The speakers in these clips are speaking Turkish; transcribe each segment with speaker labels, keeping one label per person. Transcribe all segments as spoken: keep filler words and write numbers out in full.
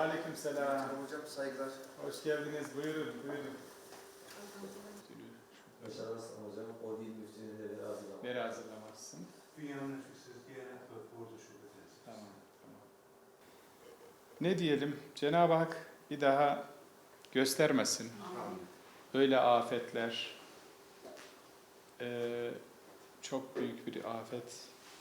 Speaker 1: Aleykümselam.
Speaker 2: Hocam saygılar.
Speaker 1: Hoş geldiniz. Buyurun, buyurun.
Speaker 2: Başarılar hocam. O değil müftülüğünde bir hazırlamak.
Speaker 1: Beri hazırlamazsın.
Speaker 3: Dünyanın nüfussuz Diyanet ve Ordu Şubesi.
Speaker 1: Tamam, tamam. Ne diyelim? Cenab-ı Hak bir daha göstermesin. Böyle afetler, e, çok büyük bir afet,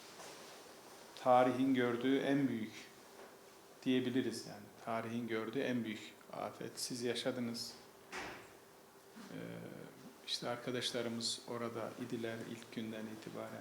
Speaker 1: tarihin gördüğü en büyük diyebiliriz yani. Tarihin gördüğü en büyük afet. Siz yaşadınız. E, işte arkadaşlarımız orada idiler ilk günden itibaren.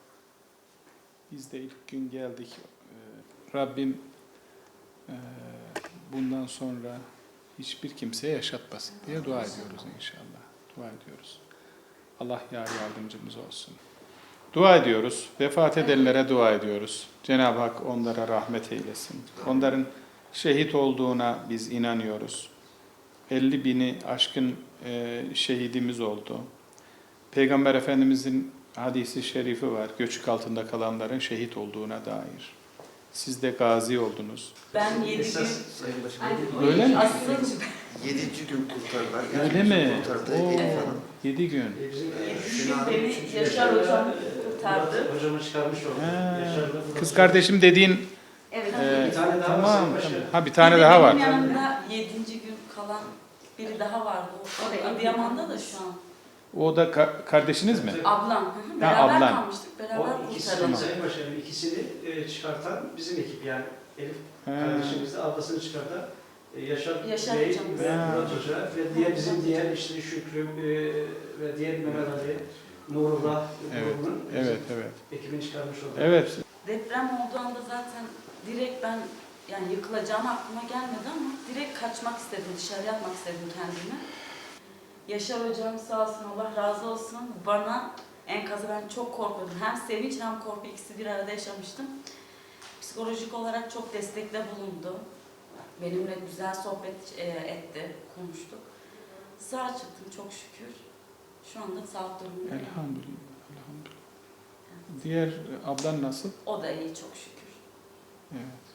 Speaker 1: Biz de ilk gün geldik. E, Rabbim e, bundan sonra hiçbir kimseye yaşatmasın diye dua ediyoruz inşallah. Dua ediyoruz. Allah yar yardımcımız olsun. Dua ediyoruz. Vefat edenlere dua ediyoruz. Cenab-ı Hak onlara rahmet eylesin. Onların şehit olduğuna biz inanıyoruz. elli bini aşkın e, şehidimiz oldu. Peygamber Efendimizin hadisi şerifi var. Göçük altında kalanların şehit olduğuna dair. Siz de gazi oldunuz.
Speaker 4: Ben yedi gün...
Speaker 2: Sayın Başkanım.
Speaker 1: Öyle mi?
Speaker 4: Asıl
Speaker 2: Yedinci gün kurtardılar.
Speaker 1: Öyle mi?
Speaker 2: Kurtardı.
Speaker 1: Oo,
Speaker 2: Elif Hanım.
Speaker 1: yedi gün.
Speaker 4: yedi gün beni Yaşar Hocam kurtardı.
Speaker 5: Hocamı çıkarmış oldu.
Speaker 1: Ha,
Speaker 5: Yaşar
Speaker 1: kız kardeşim dediğin
Speaker 4: Evet.
Speaker 1: e,
Speaker 5: Bir tane daha var,
Speaker 1: tamam,
Speaker 5: Sayın
Speaker 1: tamam.
Speaker 5: Başkanım.
Speaker 1: Ha bir tane daha var.
Speaker 4: Benim yanımda yedinci gün kalan biri daha vardı. O Adıyaman'da da şu an.
Speaker 1: O da ka- kardeşiniz mi?
Speaker 4: Ablam. Hı hı. Beraber
Speaker 1: ablan.
Speaker 4: kalmıştık. Beraber
Speaker 5: O ikisini,
Speaker 4: kurtarıldı.
Speaker 5: Sayın Başkanım, ikisini e, çıkartan bizim ekip yani. Elif
Speaker 1: Ha.
Speaker 5: kardeşimiz de ablasını çıkartan e, Yaşar,
Speaker 4: Yaşar
Speaker 5: Bey
Speaker 4: hocamız.
Speaker 5: ve
Speaker 1: Ha.
Speaker 5: Murat Hoca ve diğer bizim diğer işte Şükrü e, ve diğer Mehmet Ali, Nurullah
Speaker 1: Evet,
Speaker 5: grubunun
Speaker 1: Evet, evet.
Speaker 5: ekibini çıkarmış oldu.
Speaker 1: Evet.
Speaker 4: Deprem olduğu anda zaten direkt ben yani yıkılacağım aklıma gelmedi ama direkt kaçmak istedim, dışarı atmak istedim kendimi. Yaşar hocam sağ olsun, Allah razı olsun, bana enkazı ben çok korkuyordum. Hem sevinç hem korku ikisi bir arada yaşamıştım. Psikolojik olarak çok destekle bulundu. Benimle güzel sohbet e, etti, konuştuk. Sağ çıktım çok şükür. Şu anda sağlık durumundayım.
Speaker 1: Elhamdülillah. Elhamdülillah. Diğer ablan nasıl?
Speaker 4: O da iyi çok şükür.
Speaker 1: Evet.